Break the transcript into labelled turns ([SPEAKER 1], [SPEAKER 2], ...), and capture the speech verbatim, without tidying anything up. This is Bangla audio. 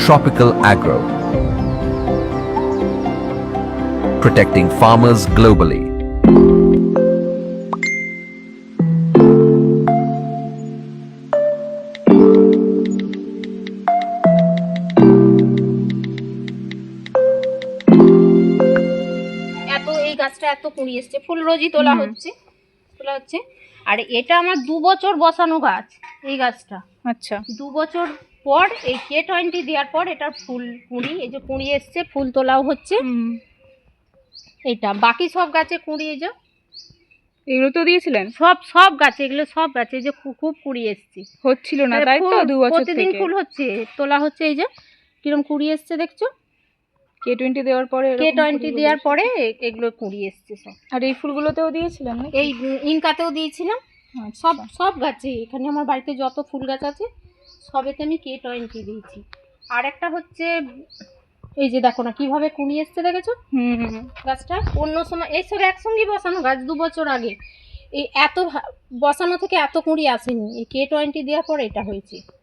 [SPEAKER 1] Tropical Agro, protecting farmers globally.
[SPEAKER 2] এত এই গাছটা এত কুড়ি এসছে, ফুল রোজই তোলা হচ্ছে তোলা হচ্ছে আর এটা আমার দু বছর বসানো গাছ। এই গাছটা
[SPEAKER 3] আচ্ছা,
[SPEAKER 2] দু বছর পর এই কে টোয়েন্টি দেওয়ার পর এটার ফুল কুঁড়ি, এই যে কুঁড়ি এসছে, ফুল তোলাও হচ্ছে। এটা বাকি সব গাছে কুঁড়ি, এই যে
[SPEAKER 3] এগুলো তো দিয়েছিলেন
[SPEAKER 2] সব সব গাছে, এগুলো সব গাছে যে খু- খুব কুঁড়ি এসছে,
[SPEAKER 3] হচ্ছিল না তাই তো দু বছর
[SPEAKER 2] প্রতিদিন
[SPEAKER 3] থেকে
[SPEAKER 2] ফুল হচ্ছে, তোলা হচ্ছে। এই যে কিরম কুঁড়ি এসছে দেখছো,
[SPEAKER 3] কে টোয়েন্টি দেওয়ার পরে
[SPEAKER 2] কে
[SPEAKER 3] এরকম
[SPEAKER 2] টোয়েন্টি
[SPEAKER 3] ফুলগুলো
[SPEAKER 2] দেওয়ার
[SPEAKER 3] এসেছে।
[SPEAKER 2] পরে এ- এগুলো কুঁড়ি এসছে সব।
[SPEAKER 3] আর এই ফুলগুলোতেও দিয়েছিলেন না?
[SPEAKER 2] এই ইনকাতেও দিয়েছিলাম, সব সব গাছে, এখানে আমার বাড়িতে যত ফুল গাছ আছে সবেতে আমি কে টোয়েন্টি দিয়েছি। আর একটা হচ্ছে এই যে দেখো না কিভাবে কুঁড়ি এসছে, দেখেছো
[SPEAKER 3] হুম,
[SPEAKER 2] গাছটা? অন্য সময় এইসব একসঙ্গে বসানো গাছ, দু বছর আগে এই এত ভা- বসানো থেকে এত কুঁড়ি আসেনি, এই কে টোয়েন্টি দেওয়ার পর এটা হয়েছে।